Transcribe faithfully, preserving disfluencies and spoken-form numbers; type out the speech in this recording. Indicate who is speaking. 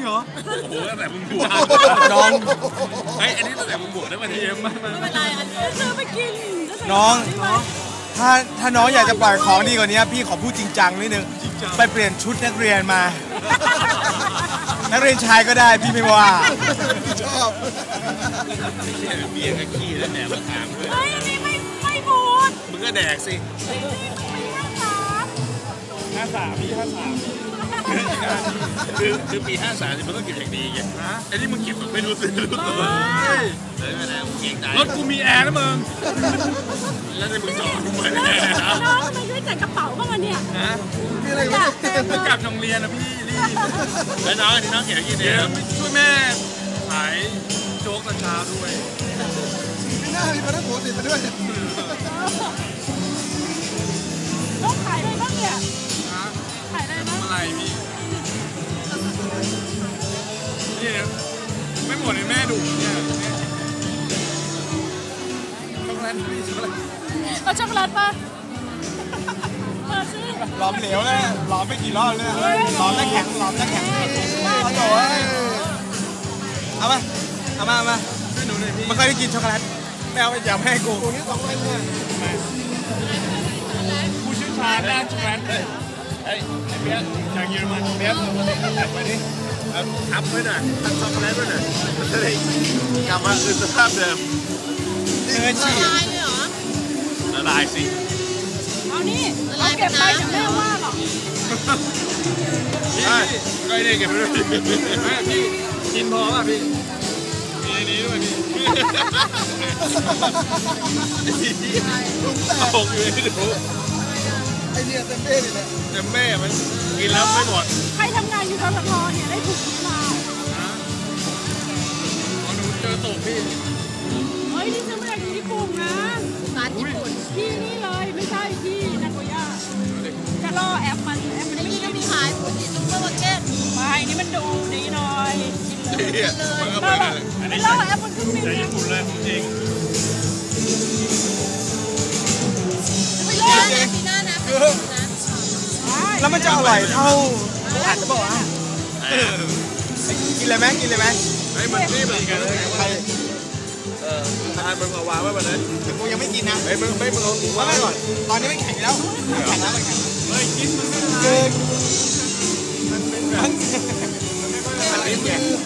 Speaker 1: เหรอ
Speaker 2: โอ้โหตั้งแต่มึงบวช
Speaker 1: น้อง
Speaker 2: ไอ้อันนี้ตั้งแต่มึงบวชได้มาทีเอ็มมา
Speaker 3: ไม่เป็นไรอันนี้ซื้อไปกิน
Speaker 1: น้องถ้าถ้าน้องอยากจะปล่อยของดีกว่านี้พี่ขอพูดจริงจังนิดนึงไปเปลี่ยนชุดนักเรียนมานักเรียนชายก็ได้พี่ไม่ว่า
Speaker 4: ชอบ
Speaker 2: เบียร์กับขี้แล้วแดกมาถามด้วย
Speaker 3: เฮ้ยอันนี้ไม่ไม่บูด
Speaker 2: มึงก็แดกสิ
Speaker 1: ห้าสามพี่ห้าสาม
Speaker 2: คือคือปีห้าสามมันต้องเก็บอย่างดีไงไอ้นี่มึงเก็บแบบไม่รู้สึกรู้ตัวเลยไม่ได้มึงเก่งใจรถกูมีแอร์นะมึงแล้วในมึงจอดมึงเปิดแอร์นะ
Speaker 3: น้องทำไมไม่ใส่กระเป๋าบ้างเนี่ย
Speaker 2: ฮะ
Speaker 4: มีอะไร
Speaker 2: กันมึงกลับโรงเรียนนะพี่รีบแล้วน้องอันนี้น้องเก็บกี่เดือนช่วยแม่ขายโจ๊กตอนเช้าด้วย
Speaker 4: ไม่น่ามีพนักงานติดมาด้วย
Speaker 3: น้องขายอะไรบ้างเนี่ยขายอะไรบ้าง
Speaker 2: อะไรพี่นี่ไม่หมดเลยแม่ดุเนี่ยช็อกโกแลตพี่ช็อกโกแลต
Speaker 3: เอาช็อกโกแลตป่ะมาสิ
Speaker 1: หลอมเหลวเลยหลอมไปกี่รอบเลยหลอมแล้วแข็งหลอมแล้วแข็งเอาโถ่เอามาเอามาเอามาไม่เคยได้กินช็อกโกแลตไม่เอาไปอย่าให้กู
Speaker 4: ตัวนี้สองพันเนี่ย
Speaker 2: ผู้เชี่ยวชาญด้านช็อกโกแลตไอ้เบี้ยจากเยอรมันเบี้ยไปดิทับไว้หน่อยทับช็อกโกแลตไว้หน่อยมันจะได้กลับมาคืนสภาพเดิม
Speaker 1: เนื้อฉีก
Speaker 3: ละลายเลยเหรอ
Speaker 2: ละลายสิ
Speaker 3: เอานี่เอาเก็บไปจะไม่ว่าหรอก
Speaker 2: ใช่ก็ไอ้นี่เก็บไปด้วยแม่พี่กินพอป่ะพี่มีนี้ด้วยพี่ตกอยู่ในถุง
Speaker 4: ไอเนี่ยเต็มเบ้เลยนะ
Speaker 2: เต็มเบ้มันกินแล้วไม่หมด
Speaker 3: ใครทำงานอยู่ทททเนี่ยได้ถูกนี้มา
Speaker 2: อ๋อหนูเจอตกพี่
Speaker 3: เฮ้ยนี่ซื้อมาจากญี่ปุ่นนะร้านญี่ปุ่นที่นี่เลยไม่ใช่ที่นาโกย่าจะล่อแอปมันแอปมันไม่ได้มีขายฟูจิซุปเปอร์มาร์เก็ตไม่นี่มันดูดีหน่อยกินเลยไม่ล่อแอปมันขึ้นบิน
Speaker 2: ญี่ปุ่นเลยจริง
Speaker 3: ไม่ล่อนะปีหน้านะ
Speaker 1: แล้วมันจะอร่อยเท่าอาจจะบอกว่ากินเลยไหมกินเลยไหม
Speaker 2: ไอ้มันนี่เหมือนกันเลยเออทานมึงเอาวางไว้แบบนั้น
Speaker 1: แต่กูยังไม่กินนะ
Speaker 2: ไอ้มึงไม่มึงเอาวางไว้ก่อน
Speaker 1: ตอนนี้ไม่แข็งแล้วแข็งแล้วมันแข็ง
Speaker 2: เฮ้ยกินมันไม่
Speaker 1: ได้
Speaker 2: มันเป็นแบบมันเป็นแบบ